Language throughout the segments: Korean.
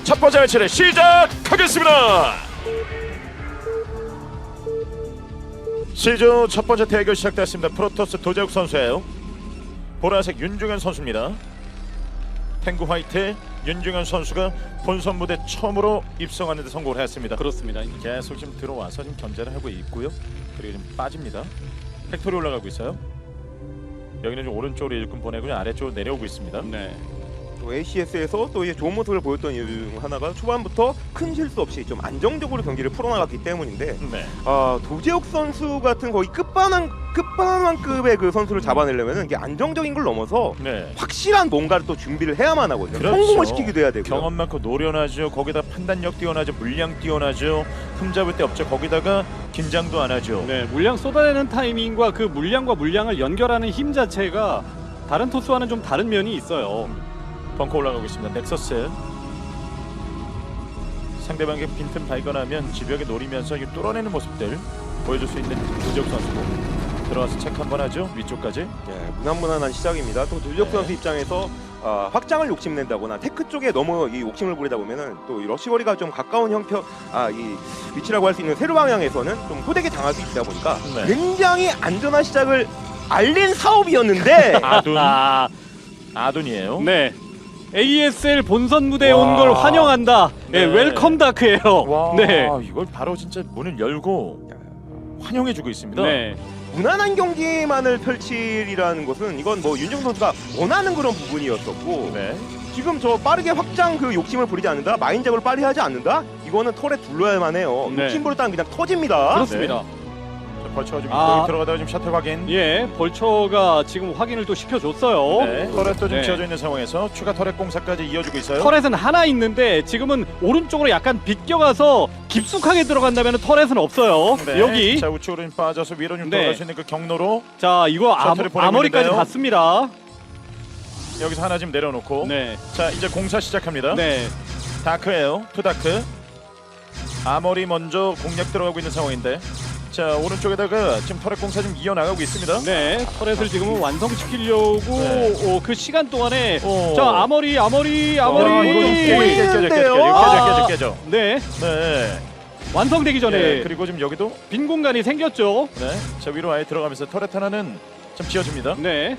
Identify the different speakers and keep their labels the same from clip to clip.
Speaker 1: 첫 번째 매치를 시작하겠습니다. 시즌 첫 번째 대결 시작됐습니다. 프로토스 도재욱 선수예요. 보라색 윤중현 선수입니다. 탱구 화이트 윤중현 선수가 본선 무대 처음으로 입성하는 데 성공을 했습니다.
Speaker 2: 그렇습니다.
Speaker 1: 계속 지금 들어와서 지금 견제를 하고 있고요. 그리고 지금 빠집니다. 팩토리 올라가고 있어요. 여기는 좀 오른쪽으로 일꾼 보내고 아래쪽으로 내려오고 있습니다.
Speaker 2: 네.
Speaker 3: 또 ACS에서 또 이제 좋은 모습을 보였던 이유 중 하나가 초반부터 큰 실수 없이 좀 안정적으로 경기를 풀어나갔기 때문인데
Speaker 1: 네.
Speaker 3: 도재욱 선수 같은 거의 끝판왕급의 그 선수를 잡아내려면 이게 안정적인 걸 넘어서
Speaker 1: 네.
Speaker 3: 확실한 뭔가를 또 준비를 해야만 하거든요.
Speaker 1: 그렇죠.
Speaker 3: 성공을 시키기도 해야 되고요.
Speaker 1: 경험 많고 노련하죠. 거기다 판단력 뛰어나죠. 물량 뛰어나죠. 흠잡을 데 없죠. 거기다가 긴장도 안 하죠.
Speaker 2: 네, 물량 쏟아내는 타이밍과 그 물량과 물량을 연결하는 힘 자체가 다른 토스와는 좀 다른 면이 있어요.
Speaker 1: 벙커 올라가고 있습니다. 넥서스 상대방의 빈틈 발견하면 집벽에 노리면서 이 뚫어내는 모습들 보여줄 수 있는 도재욱 선수고 들어와서 체크 한번 하죠. 위쪽까지.
Speaker 3: 무난무난한 시작입니다. 또 도재욱
Speaker 1: 네.
Speaker 3: 선수 입장에서 확장을 욕심낸다거나 테크 쪽에 너무 이 욕심을 부리다 보면은 또 이 러시거리가 좀 가까운 형편 이 위치라고 할 수 있는 세로 방향에서는 좀 호되게 당할 수 있다 보니까
Speaker 1: 네.
Speaker 3: 굉장히 안전한 시작을 알린 사업이었는데
Speaker 1: 아둔이에요.
Speaker 2: 네. ASL 본선 무대에
Speaker 1: 와.
Speaker 2: 온 걸 환영한다.
Speaker 1: 네.
Speaker 2: 네, 웰컴 다크예요.
Speaker 1: 와,
Speaker 2: 네.
Speaker 1: 이걸 바로 진짜 문을 열고 환영해주고 있습니다.
Speaker 2: 네.
Speaker 3: 무난한 경기만을 펼칠이라는 것은 이건 뭐 윤정 선수가 원하는 그런 부분이었었고
Speaker 1: 네.
Speaker 3: 지금 저 빠르게 확장 그 욕심을 부리지 않는다, 마인 작업을 빨리 하지 않는다, 이거는 털에 둘러야만 해요.
Speaker 2: 네.
Speaker 3: 욕심 부렸다면 그냥 터집니다.
Speaker 2: 그렇습니다.
Speaker 1: 벌처가 좀
Speaker 2: 아.
Speaker 1: 들어가다가 지금 셔틀 확인.
Speaker 2: 예, 벌처가 지금 확인을 또 시켜줬어요.
Speaker 1: 네. 터렛도 좀
Speaker 2: 네.
Speaker 1: 지어져 있는 상황에서 추가 터렛 공사까지 이어지고 있어요.
Speaker 2: 터렛은 하나 있는데 지금은 오른쪽으로 약간 비껴가서 깊숙하게 들어간다면 터렛은 없어요.
Speaker 1: 네.
Speaker 2: 여기.
Speaker 1: 자 우측으로 좀 빠져서 위로 좀
Speaker 2: 네.
Speaker 1: 돌아갈 수 있는 그 경로로
Speaker 2: 자, 이거
Speaker 1: 셔틀을 보내고
Speaker 2: 아머리까지
Speaker 1: 있는데요.
Speaker 2: 갔습니다.
Speaker 1: 여기서 하나 지금 내려놓고.
Speaker 2: 네.
Speaker 1: 자 이제 공사 시작합니다.
Speaker 2: 네.
Speaker 1: 다크예요. 투다크. 아머리 먼저 공략 들어가고 있는 상황인데. 자 오른쪽에다가 지금 터렛 공사 좀 이어나가고 있습니다.
Speaker 2: 네, 터렛을 지금은 완성시키려고
Speaker 1: 네.
Speaker 2: 그 시간 동안에
Speaker 1: 오.
Speaker 2: 자 아머리
Speaker 1: 야, 이거 좀 깨져.
Speaker 2: 네,
Speaker 1: 네.
Speaker 2: 완성되기 전에
Speaker 1: 네. 그리고 지금 여기도
Speaker 2: 빈 공간이 생겼죠.
Speaker 1: 네. 자 위로 아예 들어가면서 터렛 하나는 좀 지어줍니다.
Speaker 2: 네,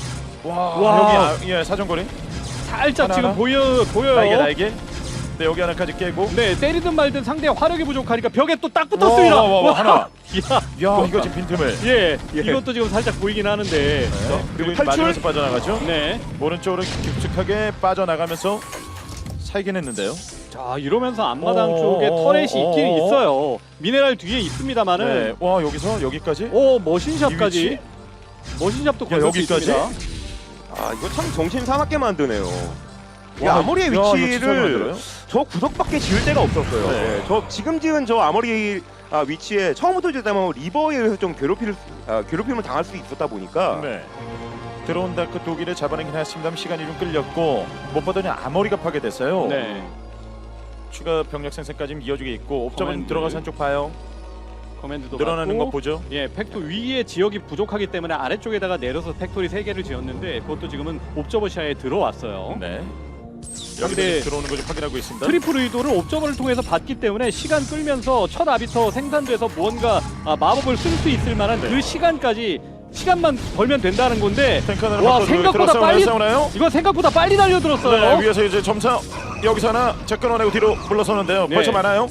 Speaker 1: 와. 여기 사정거리.
Speaker 2: 살짝
Speaker 1: 하나,
Speaker 2: 지금
Speaker 1: 하나.
Speaker 2: 보여요.
Speaker 1: 날개. 네 여기 하나까지 깨고.
Speaker 2: 네, 때리든 말든 상대의 화력이 부족하니까 벽에 또 딱 붙었습니다.
Speaker 1: 와, 하나.
Speaker 2: 야,
Speaker 1: 야 이거 지금 빈틈을.
Speaker 2: 예,
Speaker 3: 예.
Speaker 2: 이것도 지금 살짝 보이긴 하는데.
Speaker 1: 네. 그리고
Speaker 3: 탈출.
Speaker 1: 맞으면서 빠져나가죠.
Speaker 2: 네,
Speaker 1: 오른쪽으로 깊숙하게 빠져나가면서 살긴 했는데요.
Speaker 2: 자 이러면서 앞마당 쪽에
Speaker 1: 오,
Speaker 2: 터렛이
Speaker 1: 오,
Speaker 2: 있긴
Speaker 1: 오.
Speaker 2: 있어요. 미네랄 뒤에 있습니다만은.
Speaker 1: 네. 와 여기서 여기까지.
Speaker 2: 오
Speaker 1: 이
Speaker 2: 머신샵까지.
Speaker 1: 위치?
Speaker 2: 머신샵도
Speaker 1: 야,
Speaker 2: 걸릴 수
Speaker 1: 여기까지?
Speaker 2: 있습니다.
Speaker 3: 이거 참 정신 사납게 만드네요. 이
Speaker 1: 와,
Speaker 3: 아머리의
Speaker 1: 야, 이거 진짜
Speaker 3: 위치를
Speaker 1: 만들어요?
Speaker 3: 저 구석밖에 지을 데가 없었어요.
Speaker 1: 네.
Speaker 3: 네, 저 지금 지은 저 아머리 위치에 처음부터 지었다면 리버에 의해서 좀 괴롭힘을 당할 수 있었다 보니까
Speaker 1: 네. 들어온다 그 독일을 잡아내긴 했습니다만 시간이 좀 끌렸고 못 보더니 아머리가 파괴됐어요.
Speaker 2: 네.
Speaker 1: 추가 병력 생산까지 이어지게 있고 옵저은
Speaker 2: 커맨드.
Speaker 1: 들어가서 한쪽 봐요.
Speaker 2: 커맨드도
Speaker 1: 늘어나는
Speaker 2: 받고,
Speaker 1: 거 보죠.
Speaker 2: 예, 팩토 위에 지역이 부족하기 때문에 아래쪽에다가 내려서 팩토리 3개를 지었는데 그것도 지금은 옵저버시아에 들어왔어요.
Speaker 1: 네.
Speaker 2: 근데
Speaker 1: 여기 들어오는 거 좀 확인하고 있습니다.
Speaker 2: 트리플 의도를 옵저버를 통해서 받기 때문에 시간 끌면서 첫 아비터 생산돼서 무언가 마법을 쓸 수 있을 만한
Speaker 1: 네.
Speaker 2: 그 시간만 벌면 된다는 건데
Speaker 1: 탱크 하나를
Speaker 2: 와,
Speaker 1: 바꿔서
Speaker 2: 생각보다 빨리
Speaker 1: 싸우나요?
Speaker 2: 이거 생각보다 빨리 달려들었어요.
Speaker 1: 네, 위에서 이제 점사 여기서 하나 끊어내고 뒤로 물러서는데요.
Speaker 2: 네.
Speaker 1: 벌써 많아요.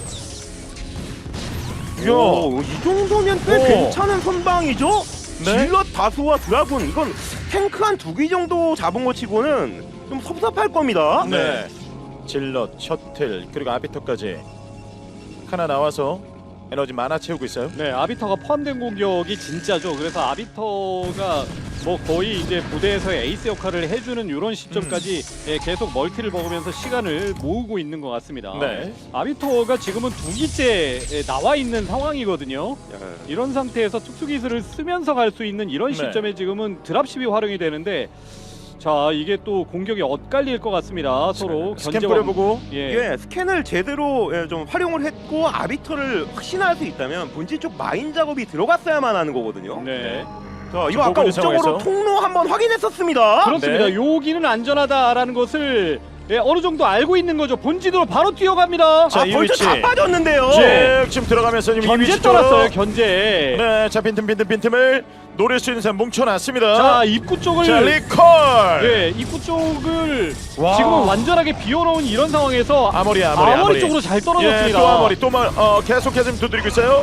Speaker 1: 이야.
Speaker 3: 이 정도면 꽤
Speaker 1: 오.
Speaker 3: 괜찮은 선방이죠?
Speaker 1: 네.
Speaker 3: 질럿 다수와 드라군 이건 탱크 한 2개 정도 잡은 거 치고는 좀 섭섭할 겁니다.
Speaker 1: 네. 질럿, 셔틀 그리고 아비터까지 하나 나와서 에너지 많아 채우고 있어요.
Speaker 2: 네, 아비터가 포함된 공격이 진짜죠. 그래서 아비터가 뭐 거의 이제 부대에서의 에이스 역할을 해주는 이런 시점까지 예, 계속 멀티를 먹으면서 시간을 모으고 있는 것 같습니다.
Speaker 1: 네.
Speaker 2: 아비터가 지금은 2기째 나와 있는 상황이거든요. 이런 상태에서 특수기술을 쓰면서 갈 수 있는 이런
Speaker 1: 네.
Speaker 2: 시점에 지금은 드랍십이 활용이 되는데 자 이게 또 공격이 엇갈릴 것 같습니다. 서로
Speaker 1: 스캔
Speaker 2: 견제와-
Speaker 1: 뿌려보고
Speaker 2: 예.
Speaker 3: 예, 스캔을 제대로 좀 활용을 했고 아비터를 확신할 수 있다면 본질 쪽 마인 작업이 들어갔어야만 하는 거거든요.
Speaker 2: 네.
Speaker 3: 자,
Speaker 1: 지금
Speaker 3: 이거 아까
Speaker 1: 보고 있는
Speaker 3: 옵적으로
Speaker 1: 상황에서.
Speaker 3: 통로 한번 확인했었습니다.
Speaker 2: 그렇습니다.
Speaker 1: 네.
Speaker 2: 여기는 안전하다라는 것을 어느 정도 알고 있는 거죠. 본진으로 바로 뛰어갑니다.
Speaker 1: 자, 이
Speaker 3: 벌써
Speaker 1: 위치.
Speaker 3: 다 빠졌는데요.
Speaker 1: 지금 들어가면서 지금 이
Speaker 2: 견제
Speaker 1: 위치 쪽으로.
Speaker 2: 떠났어요. 견제.
Speaker 1: 네, 자 빈틈을 노릴 수 있는 사람 뭉쳐놨습니다.
Speaker 2: 자, 입구 쪽을
Speaker 1: 자, 리콜.
Speaker 2: 예, 입구 쪽을
Speaker 1: 와.
Speaker 2: 지금은 완전하게 비워놓은 이런 상황에서
Speaker 1: 아머리
Speaker 2: 쪽으로 잘
Speaker 1: 예,
Speaker 2: 떨어졌습니다.
Speaker 1: 또 아머리 계속해서 두드리고 있어요.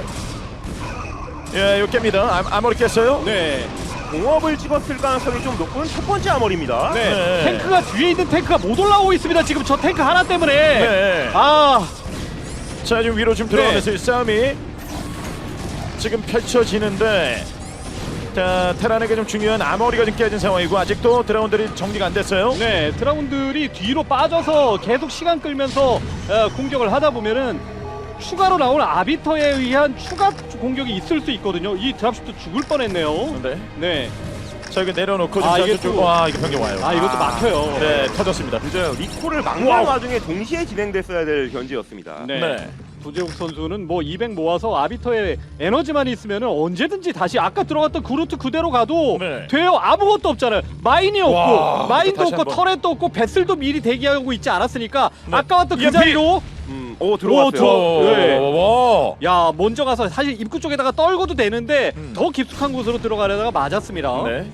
Speaker 1: 예, 이거 깹니다. 아머리 깼어요.
Speaker 2: 네.
Speaker 3: 공업을 찍었을 가능성이 좀 높은 첫 번째 아머리입니다.
Speaker 2: 네.
Speaker 1: 네.
Speaker 2: 탱크가 뒤에 있는 탱크가 못 올라오고 있습니다. 지금 저 탱크 하나 때문에.
Speaker 1: 네.
Speaker 2: 아,
Speaker 1: 자, 지금 위로 좀 들어가면서 이 싸움이 지금 펼쳐지는데, 자, 테란에게 좀 중요한 아머리가 좀 깨진 상황이고 아직도 드라군들이 정리가 안 됐어요.
Speaker 2: 네. 드라군들이 뒤로 빠져서 계속 시간 끌면서 공격을 하다 보면은 추가로 나오는 아비터에 의한 추가 공격이 있을 수 있거든요. 이 드랍십도 죽을 뻔했네요.
Speaker 1: 네.
Speaker 2: 네.
Speaker 1: 자, 이거 내려놓고
Speaker 2: 아,
Speaker 1: 지금
Speaker 2: 이게
Speaker 1: 쭉,
Speaker 2: 또-
Speaker 1: 와, 이거 변경 와요.
Speaker 2: 아, 이것도 막혀요.
Speaker 1: 네, 터졌습니다.
Speaker 3: 늦어요. 리콜을 막는
Speaker 1: 와우.
Speaker 3: 와중에 동시에 진행됐어야 될 견제였습니다.
Speaker 2: 네.
Speaker 1: 네.
Speaker 2: 도재욱 선수는 뭐 200 모아서 아비터에 에너지만 있으면 언제든지 다시 아까 들어갔던 그루트 그대로 가도
Speaker 1: 네.
Speaker 2: 돼요. 아무것도 없잖아요. 마인이 없고
Speaker 1: 와,
Speaker 2: 마인도
Speaker 1: 다시
Speaker 2: 없고
Speaker 1: 한번.
Speaker 2: 터렛도 없고 베슬도 미리 대기하고 있지 않았으니까
Speaker 1: 네.
Speaker 2: 아까 왔던 그
Speaker 1: EMP.
Speaker 2: 자리로
Speaker 3: 오 들어왔어요.
Speaker 2: 오, 네.
Speaker 1: 와.
Speaker 2: 야 먼저 가서 사실 입구 쪽에다가 떨궈도 되는데 더 깊숙한 곳으로 들어가려다가 맞았습니다.
Speaker 1: 네.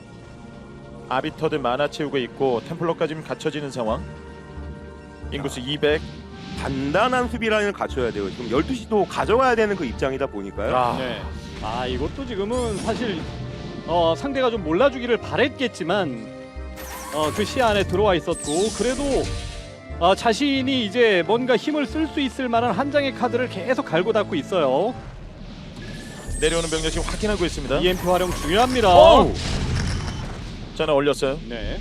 Speaker 1: 아비터들 만화 채우고 있고 템플러까지 지금 갖춰지는 상황. 인구수 200.
Speaker 3: 단단한 수비 라인을 갖춰야 돼요. 지금 12시도 가져가야 되는 그 입장이다 보니까요.
Speaker 1: 아,
Speaker 2: 네. 아 이것도 지금은 사실 상대가 좀 몰라주기를 바랬겠지만 그 시야 안에 들어와 있었고 그래도 자신이 이제 뭔가 힘을 쓸 수 있을 만한 한 장의 카드를 계속 갈고 닦고 있어요.
Speaker 1: 내려오는 병력 지금 확인하고 있습니다.
Speaker 2: EMP 활용 중요합니다.
Speaker 1: 오우. 자는 올렸어요.
Speaker 2: 네.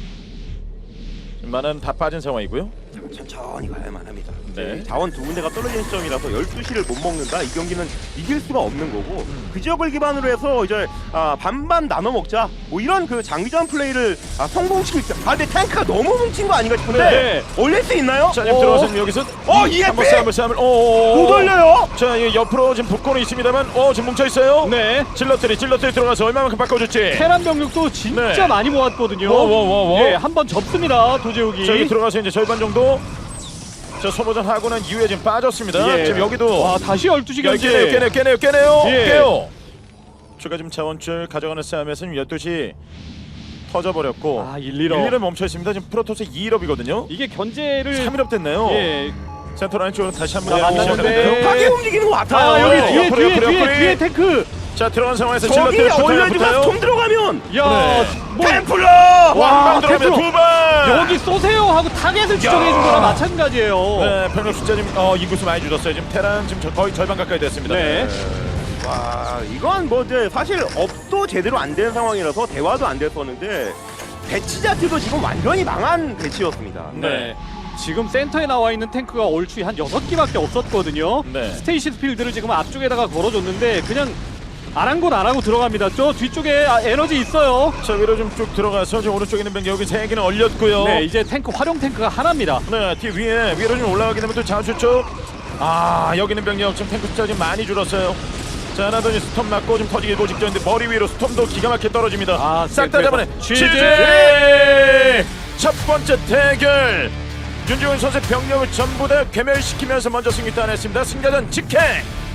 Speaker 1: 만화는 다 빠진 상황이고요.
Speaker 3: 천천히 가야만 합니다.
Speaker 1: 네.
Speaker 3: 자원 두 군데가 떨어진 시점이라서 12시를 못 먹는다. 이 경기는 이길 수가 없는 거고 그 지역을 기반으로 해서 이제 반반 나눠 먹자. 뭐 이런 그 장기전 플레이를 성공시킬 수. 근데 탱크가 너무 뭉친 거 아닌가 싶은데
Speaker 2: 네.
Speaker 3: 올릴 수 있나요?
Speaker 1: 자, 지금 들어가서 여기서
Speaker 3: EMP!
Speaker 1: 한번 싸움을
Speaker 3: 못 올려요.
Speaker 1: 자, 이 옆으로 지금 붙고는 있습니다만 지금 뭉쳐 있어요.
Speaker 2: 네.
Speaker 1: 질럿들이 들어가서 얼마만큼 바꿔줄지.
Speaker 2: 테란 병력도 진짜
Speaker 1: 네.
Speaker 2: 많이 모았거든요.
Speaker 1: 와.
Speaker 2: 예, 한번 접습니다. 도재욱이.
Speaker 1: 자, 여기 들어가서 이제 절반 정도. 자, 소모전 하고 난 이후에 지금 빠졌습니다.
Speaker 2: 예.
Speaker 1: 지금 여기도
Speaker 2: 와, 다시 12시 견제.
Speaker 1: 깨네요.
Speaker 2: 예.
Speaker 1: 깨요. 추가 지금 자원줄 가져가는 싸움에서 지금 12시 터져버렸고.
Speaker 2: 아, 1-1업.
Speaker 1: 1-1은 멈춰 있습니다. 지금 프로토스 2일업이거든요.
Speaker 2: 이게 견제를
Speaker 1: 3일업 됐네요.
Speaker 2: 예.
Speaker 1: 센터 라인 쪽으로 다시 한번
Speaker 2: 자, 만났는데.
Speaker 3: 급하게 움직이는 것 같아요.
Speaker 2: 아, 여기
Speaker 1: 네. 옆으로,
Speaker 2: 뒤에 탱크.
Speaker 1: 자, 들어간 상황에서
Speaker 3: 저기
Speaker 1: 질럿들이
Speaker 3: 올려주가 좀 들어가면
Speaker 2: 야,
Speaker 1: 네.
Speaker 2: 뭐
Speaker 3: 템플러.
Speaker 2: 와,
Speaker 1: 왕방 들어오면
Speaker 2: 템플러.
Speaker 1: 두 방.
Speaker 2: 여기 쏘세요 하고 타겟을 지정해 준 거랑 마찬가지예요.
Speaker 1: 네, 병력 숫자 지금 인구수 많이 줄었어요. 지금 테란 지금 거의 절반 가까이 됐습니다.
Speaker 2: 네.
Speaker 3: 와 이건 뭐 이제 사실 업도 제대로 안 된 상황이라서 대화도 안 됐었는데 배치 자체도 지금 완전히 망한 배치였습니다.
Speaker 2: 네. 지금 센터에 나와 있는 탱크가 얼추 한 6기밖에 없었거든요.
Speaker 1: 네.
Speaker 2: 스테이시스 필드를 지금 앞쪽에다가 걸어줬는데 그냥 안 한 건 안 하고 들어갑니다. 저 뒤쪽에 에너지 있어요.
Speaker 1: 자, 위로 좀 쭉 들어가서 지금 오른쪽에 있는 병력 여기 3개는 얼렸고요.
Speaker 2: 네, 이제 탱크 활용 탱크가 하나입니다.
Speaker 1: 네, 뒤 위로 좀 올라가게 되면 또 자원줄 쪽. 여기 있는 병력 지금 탱크 숫자 지금 많이 줄었어요. 자, 하나더니 스톰 맞고 좀 터지기 일보 직전인데 머리 위로 스톰도 기가 막히게 떨어집니다. 싹 다 잡아내.
Speaker 2: 취재!
Speaker 1: 첫 번째 대결. 윤중훈 선수의 병력을 전부 다 괴멸시키면서 먼저 승리 따냈습니다. 승자전 직행.